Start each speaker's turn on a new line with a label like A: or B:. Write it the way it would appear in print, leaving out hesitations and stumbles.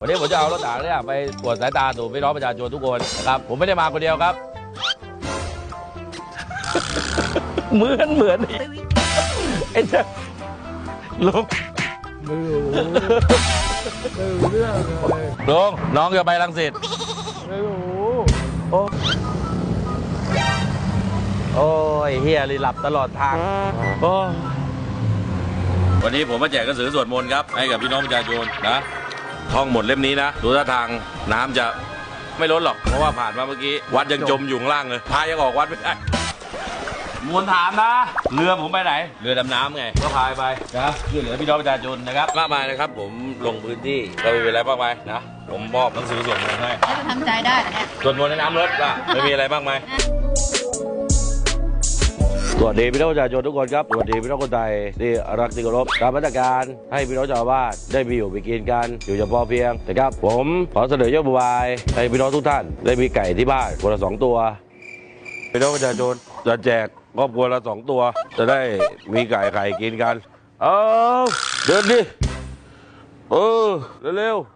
A: วันนี้ผมจะเอารถถังเนี่ยไปตรวจสายตาสู่พี่น้องประชาชนทุกคนนะครับผมไม่ได้มาคนเดียวครับ เหมือนไอ้เจ้าลุง
B: ไม่รู้เรื่องเลย
A: ลุงน้องจะไปรังสิต
B: ไม่รู้
A: โอ้ยเฮียรีหลับตลอดทางโอ้วันนี้ผมมาแจกหนังสือสวดมนต์ครับให้กับพี่น้องประชาชนนะท่องหมดเล่มนี้นะดูท่าทางน้ำจะไม่ล้นหรอกเพราะว่าผ่านมาเมื่อกี้วัดยังจมอยู่ข้างล่างเลยพายยังออกวัดไม่ได้มวลถามนะเรือผมไปไหนเรือดำน้ำไงก็พายไปนะช่วยเหลือพี่น้องประชาชนนะครับมากมายนะครับผมลงพื้นที่ก็ไม่มีอะไรมากมายนะผมมอบหนังสือสวดมนต์ให้
C: แล้วจะทำใจได้เหรอเนี่ย
A: สวดมนต์ในน้ำลดป่ะไม่มีอะไรมากมายสวัสดีพี่น้องประชาชนทุกคนครับสวัสดีพี่น้องคนไทยที่รักที่เคารพตามมาตรการให้พี่น้องชาวบ้านได้มีอยู่มีกินกันอยู่อย่างพอเพียงนะครับผมขอเสนอยกนโยบายให้พี่น้องทุกท่านได้มีไก่ที่บ้านคนละ2 ตัวพี่น้องประชาชนจะแจกครอบครัวละ2 ตัวจะได้มีไก่กินกันเอาเดินดิเร็ว